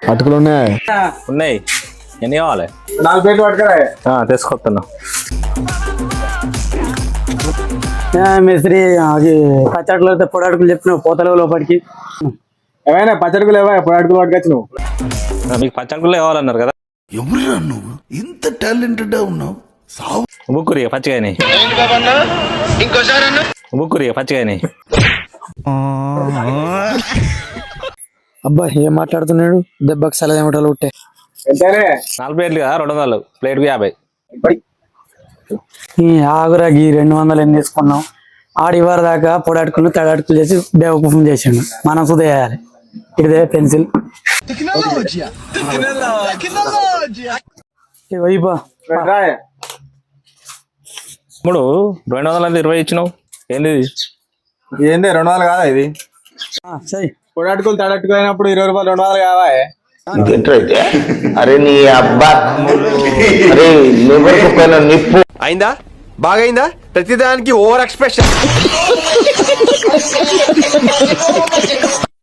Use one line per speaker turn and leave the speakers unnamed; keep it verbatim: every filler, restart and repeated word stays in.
అటుకులు ఉన్నాయి
ఉన్నాయి. ఎన్ని కావాలి?
నాలుగు ప్లేట్లు పట్టుకురా.
తీసుకొస్తున్నా.
మిస్త్రీ అది పచ్చడిలో పొడి అడుగులు చెప్పినావు పోతలేవు లోపలికి.
ఏమైనా పచ్చడికులు ఏవా పొడి అటుకులు పట్టుకొచ్చు నువ్వు?
మీకు పచ్చడికులు కావాలన్నారు కదా.
ఎవరురా నువ్వు ఇంత టాలెంటెడ్ ఉన్నావు?
బుక్కురి పచ్చిగాయని బుక్కురి పచ్చిగాయని.
అబ్బా ఏం మాట్లాడుతున్నాడు? దెబ్బకి సలదేమటలు ఉంటే
ఎంతనే?
నాలుగు ప్లేట్లు కదా, రెండు వందలు ప్లేట్కి యాభై.
ఆగురాకి రెండు వందలు ఎన్ని తీసుకున్నాం. ఆడివారి దాకా పొడి అటుకులు తడి అటుకులు చేసి బేవకూఫం చేసిండు. మనం సుధ చేయాలి. ఇదే పెన్సిల్ వైపా
ఇప్పుడు రెండు వందల ఇరవై ఇచ్చినావు ఏంది?
ఏంది రెండు వందలు కాదా ఇది?
సై
పొడి అటుకులు తడి అటుకులు అయినప్పుడు ఇరవై రూపాయలు రెండు వందలు కావా?
అరే నీ అబ్బా అరే నిప్పు
అయిందా? బాగైందా? ప్రతిదానికి ఓవర్ ఎక్స్ప్రెషన్.